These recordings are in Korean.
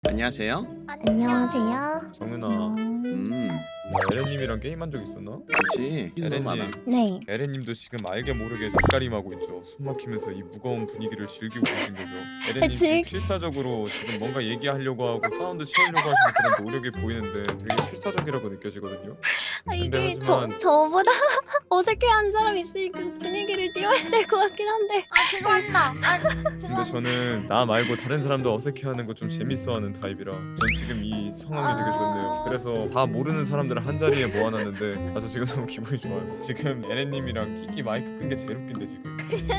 안녕하세요. 안녕하세요. 정은아, 나 에렌님이랑 게임한 적 있었나? 그렇지. 에렌님, 네. 에렌님도 지금 알게 모르게 낯가림하고 있죠. 숨 막히면서 이 무거운 분위기를 즐기고 계신 거죠. 에렌님 지금 필사적으로 지금 뭔가 얘기하려고 하고 사운드 채우려고 하시는 그런 노력이 보이는데 되게 필사적이라고 느껴지거든요. 근데 하지만 저보다 어색해하는 사람 있으니까 분위기를 띄워야 될 것 같긴 한데. 죄송합니다. 근데 저는 나 말고 다른 사람도 어색해하는 거 좀 재밌어하는 타입이라 전 지금 이 상황이 되게 좋네요. 그래서 다 모르는 사람들을 한 자리에 모아놨는데 아주 지금 너무 기분이 좋아요. 지금 에렌님이랑 끼끼 마이크 끈 게 제일 웃긴데 지금.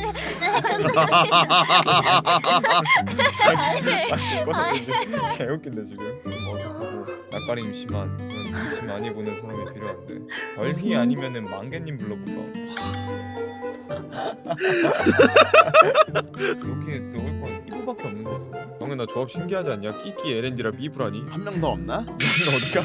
개 웃긴데 지금. 낯가림 심한 그런 눈치 많이 보는 사람이 필요한데 벌휘 아니면은 망개님 불러볼까? 이렇게 넣을 건 이거밖에 없는 거지. 형은 나 조합 신기하지 않냐? 끼끼 에렌디라 미브라니? 한 명 더 없나? 너 어디가?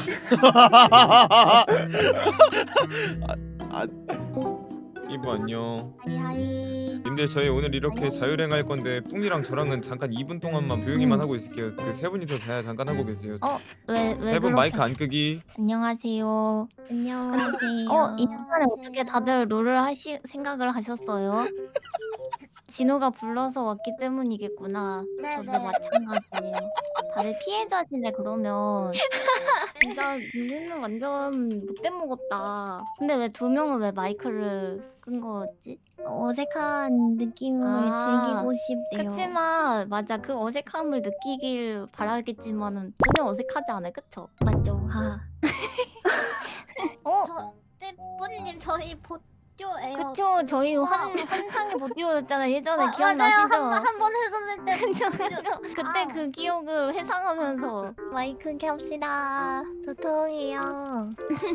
이브 안녕. 하이하이. 님들 저희 오늘 이렇게 자율행 할 건데 뿡이랑 저랑은 잠깐 2분 동안만 조용히만 하고 있을게요. 그 세 분이서 잠깐 하고 계세요. 왜 세 분 마이크 안 끄기. 안녕하세요. 안녕하세요. 이 시간에 어떻게 다들 롤을 생각을 하셨어요? 진호가 불러서 왔기 때문이겠구나. 저도 네네. 마찬가지예요. 다들 피해자시네 그러면. 진짜 윤희는 완전 못돼 먹었다. 근데 왜 두 명은 왜 마이크를 끈 거지? 어색한 느낌을 즐기고 싶대요. 그치만 맞아 그 어색함을 느끼길 바라겠지만은 전혀 어색하지 않아요, 그쵸? 맞죠? 하. 삐뿌님 저희 보조예요. 그쵸 저희 환상의 보디오였잖아요 예전에 기억나시죠? 한번 해줬을 때. 그때 그 기억을 회상하면서 마이크 켭시다. 도통이요.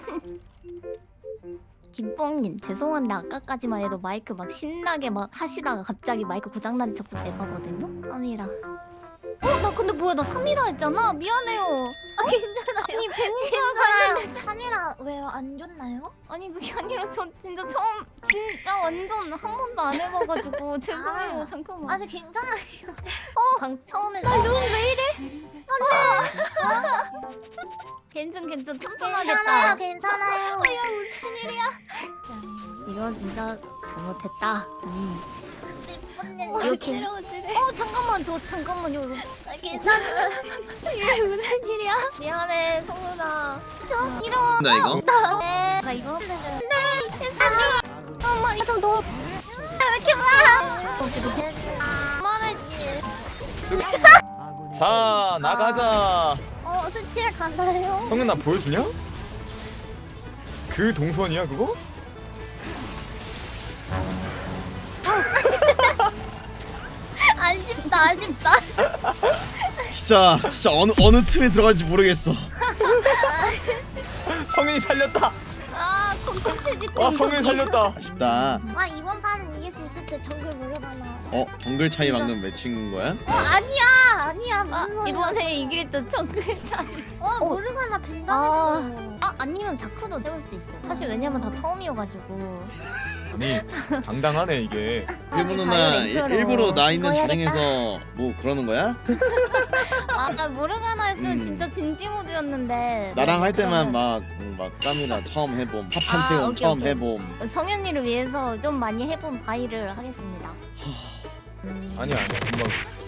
김뽕님 죄송한데 아까까지만 해도 마이크 막 신나게 막 하시다가 갑자기 마이크 고장난 척도 대박거든요? 3이라 나 근데 뭐야 나 3이라 했잖아? 미안해요. 괜찮아요. 아니 벤지야 괜찮아요. 3이라 왜요? 안 좋나요? 아니 그게 아니라 저 진짜 처음 진짜 완전 한 번도 안 해봐가지고 죄송해요 잠깐만. 아니 괜찮아요. 처음에 나 눈 왜 이래? 괜찮 튼튼하겠다. 괜찮아요. 무슨 일이야? 이거 진짜 잘못했다. 삐뿌님 이렇게 잠깐만요 이거 괜찮아요. 이게 무슨 일이야? 미안해 성훈아. 이런 나 이거? 나 이거 엄마 이거 너무 왜 이렇게 그만해. 자 나가자. 스틸 가나요? 성은아 보여주냐? 그 동선이야 그거? 아쉽다. 진짜 어느 틈에 들어갈지 모르겠어. 성은이 살렸다. 콘텐츠 집중. 와 성은이 살렸다. 아쉽다. 이번 판은 이길 수 있을 때 정글 모르가나. 정글 차이 막는 매칭인 거야? 아니야 무슨 소리야. 이번에 이길 듯 정글 차이. 모르가나 벤담했어. 아니면 자크도 세울 수 있어. 사실 왜냐면 다 처음이어가지고. 아니 당당하네 이게. 일본 누나 랭크로. 일부러 나 있는 이거 자랭에서 뭐 그러는 거야? 나 모르가나 했으면 음. 진짜 진지 모드였는데. 나랑 할 때만 막 쌈이나 처음 해봄, 팝한테온 오케이, 처음 오케이. 해봄. 성현이를 위해서 좀 많이 해본 바이를 하겠습니다. 아니야 금방.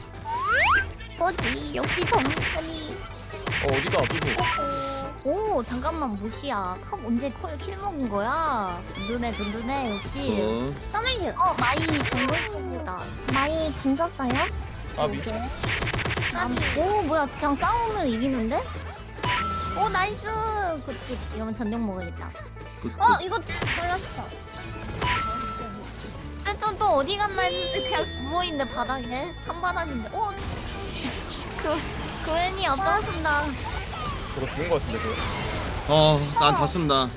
뭐지? 역시 정선이. 어디가 아프고. 오 잠깐만 무시야. 컵 언제 킬 먹은 거야? 든든해 역시. 서밀유. 마이 정글 속이다. 마이 궁 썼어요? 아비. 오 뭐야 그냥 싸우면 이기는데? 오 나이스. 이러면 전용 먹어야겠다. 이거 걸렸어. 또 어디 갔나 했는데 그냥 누워있네 바닥에. 산바닥인데. 그 애니 앞장선다. 저거 죽은 거 같은데 그거. 난 다 쓴다.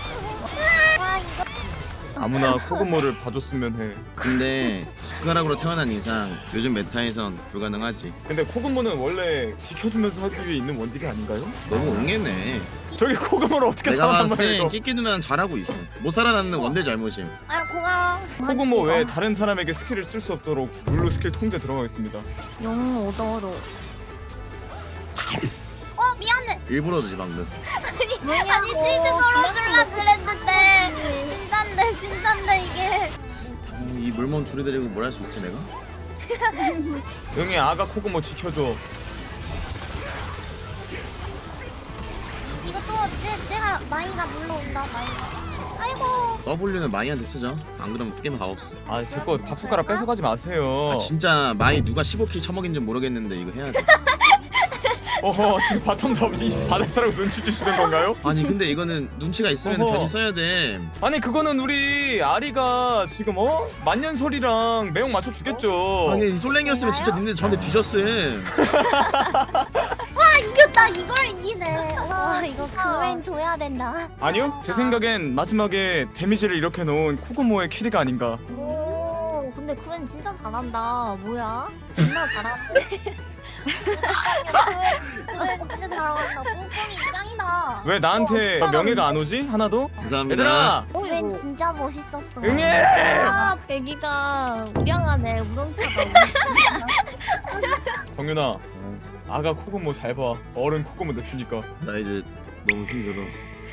아무나 코그모를 봐줬으면 해. 근데 숟가락으로 태어난 이상 요즘 메타에선 불가능하지. 근데 코그모는 원래 지켜주면서 하기 위해 있는 원딜이 아닌가요? 너무 옹해네. 저기 코그모를 어떻게 내가 봤을 살아남아요 때 이거? 끼끼 누나는 잘하고 있어. 못 살아남는 원딜 잘못임. 고마워. 코그모 외에 다른 사람에게 스킬을 쓸 수 없도록 룰루 스킬 통제 들어가겠습니다. 용 오더로. 일부러지 방금. 아니 치즈 걸어줄라 그랬는데 진짠데 이게. 이 물몸 둘이 데리고 뭘 할 수 있지 내가? 응애 아가 코고모 지켜줘. 이것도 쟤가 마이가 물러온다 마이가. 아이고. W는 마이한테 쓰죠. 안 그러면 게임 다 없어. 아 제 거 밥 숟가락 뺏어가지 마세요. 아, 진짜 마이 누가 15킬 처먹인지 모르겠는데 이거 해야 돼. 어허 지금 바텀 잡으시 24대사라고 눈치 주시는 건가요? 아니 근데 이거는 눈치가 있으면 어허. 편히 써야 돼. 아니 그거는 우리 아리가 지금 만년설이랑 매혹 맞춰 주겠죠. 아니 이 솔랭이었으면 진짜 니네 저한테 뒤졌음. 이겼다 이걸 이기네. 와 이거 그웬 줘야 된다. 아니요 제 생각엔 마지막에 데미지를 이렇게 놓은 코고모의 캐리가 아닌가. 오 근데 그웬 진짜 잘한다. 뭐야? 존나 잘하네. 그거 진짜 잘한다. 뿡뿡이 짱이다. 왜 나한테 명예가 안 오지? 하나도? 감사합니다. 얘들아 그웬 진짜 멋있었어. 응애! 아 애기가 우량하네. 우렁차다. 정윤아 아가 코고모 잘 봐. 어른 코고모 됐으니까. 나 이제 너무 힘들어.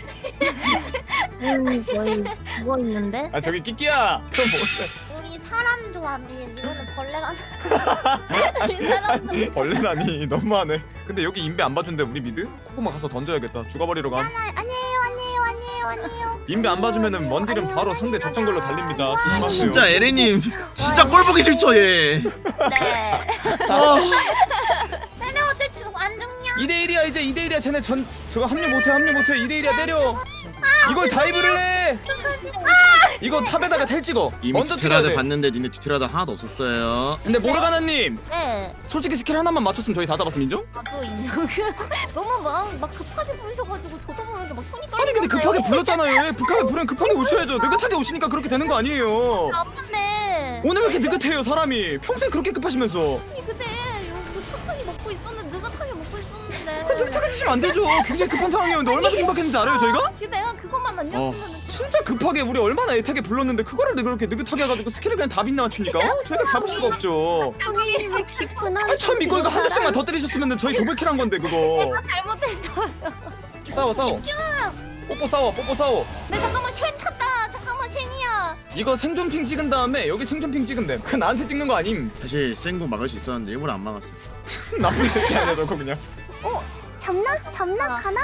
거의 죽어 있는데. 아 저기 끼끼야. 좀 뭔데? 우리 사람 조합이 이거는 벌레라서. 우리 사람 조합. 벌레라니 너무하네. 근데 여기 인베 안 봐준대 우리 미드? 코고모 가서 던져야겠다. 죽어버리러 감. 아니에요. 인베 안 봐주면은 원딜은 바로 상대 적정글로 달립니다. 조심하세요. 진짜 에레님 진짜 꼴 보기 싫죠 얘. 네. 아, 쟤네 어째 안 죽냐? 2대1이야 이제 2대1이야. 쟤네 저거 합류 못해 2대1이야 때려. 이걸 다이브를 해. 이거 탑에다가 텔 찍어. 이미 먼저 찍어야 뒤틀라드 돼. 봤는데 니네 뒤틀라드 하나도 없었어요. 근데 모르가나님 네. 솔직히 스킬 하나만 맞췄으면 저희 다 잡았음 인정? 나도 인정. 너무 막 급하게 부르셔가지고 저도 모르는데 막 손이 떨리는데. 아니 근데 급하게 불렀잖아요. 예, 급하게 부르면 급하게 오셔야죠. 느긋하게 오시니까 그렇게 되는 거 아니에요. 아픈데. 오늘 왜 이렇게 느긋해요 사람이? 평소에 그렇게 급하시면서. 아니 근데 이거 천천히 먹고 있었는데 느긋하게 먹고 있었는데. 느긋하게 드시면 안 되죠. 굉장히 급한 상황이었는데 얼마나 긴박했는지 알아요 저희가? 근데 내가 그것만 안 였으면. 진짜 급하게 우리 얼마나 애타게 불렀는데 그거를 그렇게 느긋하게 해가지고 스킬을 그냥 다 빗나 맞추니까 저희가 잡을 수가 없죠. 여기 왜 깊은 한. 아니 참 믿고 이거 한 대씩만 더 때리셨으면 저희 도백킬 한 건데 그거. 잘못했어. 싸워 뽀뽀 싸워. 네 잠깐만 쉔 탔다. 잠깐만 쉔이야. 이거 생존핑 찍은 다음에 여기 생존핑 찍으면 돼. 그 나한테 찍는 거 아님. 사실 생구 막을 수 있었는데 일부러 안 막았어. 나쁜 새끼 아니야 저거 그냥. 잡나? 가나?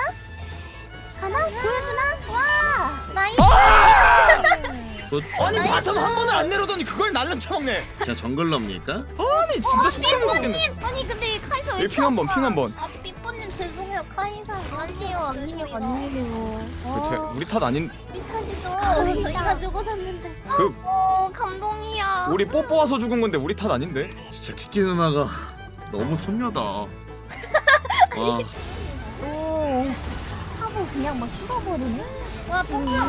보여주나? 와 나이스. 굿. 아니 바텀 한 번을 안 내려더니 그걸 날름 쳐먹네. 제가 정글러입니까? 아니 진짜 속상해 죽겠네. 아니 근데 카이사 왜 여기 핑 한번 아 삐뽀님 죄송해요 카이사. 아니에요. 우리 탓 아닌. 탓이죠. 저희가 죽어졌는데. 그 감동이야. 우리 뽀뽀 와서 죽은 건데 우리 탓 아닌데. 진짜 키키 누나가 너무 선녀다. 와, 오. 하고 그냥 막 죽어버리네. 와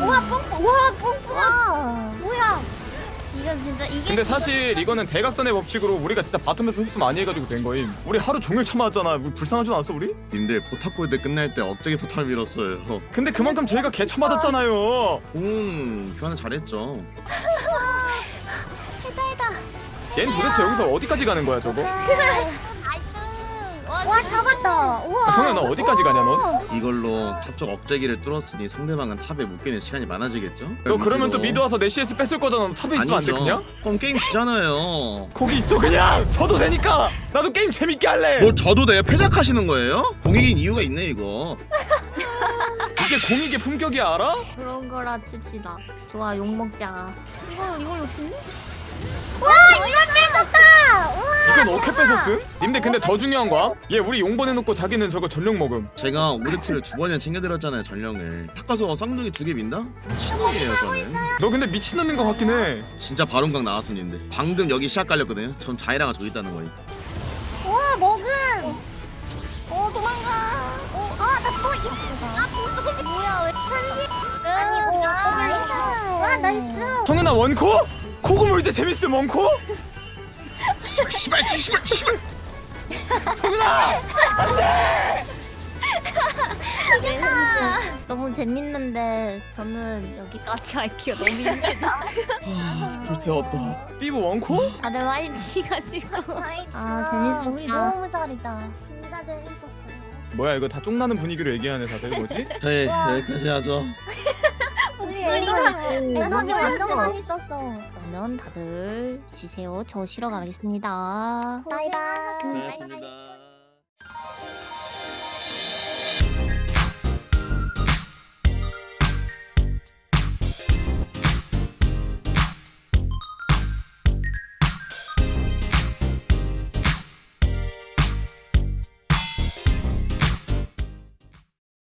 뽕뽕아. 뭐야? 이건 진짜 이게. 근데 사실 이거는 대각선의 법칙으로 우리가 진짜 바텀에서 흡수 많이 해가지고 된 거임. 우리 하루 종일 참아왔잖아. 우리 불쌍하지 않았어 우리? 님들 포탑골드 끝날 때 억제기 포탑 밀었어요. 근데 그만큼 저희가 개쳐 맞았잖아요. 교환을 잘했죠. 얜 도대체 여기서 어디까지 가는 거야 저거? 와 잡았다. 우와. 성현아 너 어디까지 가냐 넌? 이걸로 탑쪽 억제기를 뚫었으니 상대방은 탑에 묶이는 시간이 많아지겠죠? 너 그러면 또 미드 와서 내 CS 뺏을 거잖아. 너 탑에 있으면 안 돼 아니죠. 그냥? 그럼 게임 지잖아요. 거기 있어 그냥. 져도 되니까. 나도 게임 재밌게 할래. 뭐 저도 내 패작하시는 거예요? 공익인 이유가 있네 이거. 이게 공익의 품격이야 알아? 그런 거라 칩시다. 좋아 욕 먹자. 이걸 욕심내? 와 이걸 뺏었다. 우와. 이건 어떻게 뺏었음? 님들 근데 더 중요한 거야? 얘 우리 용번 해놓고 자기는 저거 전용 먹음. 제가 오르트를 2번이나 챙겨드렸잖아요 전령을. 탁가서 쌍둥이 2개 민다? 미친놈이에요 저는. 너 근데 미친놈인 거 같긴 해. 진짜 바론강 나왔습니다. 방금 여기 시작 깔렸거든요. 전 자이라가 저기 있다는 거예요. 우와 먹음. 도망가. 아나또 이쁘다. 공수고 싶. 뭐야 왜? 아니고 나이스. 와 나이스. 성현아 원코? 코고모 이제 재밌음 원코? 씨발. 성현아! 너무 재밌는데 저는 여기까지 할게요. 너무 힘들다. 불태웠다. 삐부 원코? 다들 화이팅 하시고. 재밌어. 우리 재밌었다. 너무 잘했다. 진짜 재밌었어요. 뭐야 이거 다 쫑나는 분위기로 얘기하네 다들 뭐지? 네 여기까지 하죠. 에너지 완전 놀랐어. 많이 썼어. 그러면 다들 쉬세요. 저 쉬러 가겠습니다. 바이바이. 수고하셨습니다.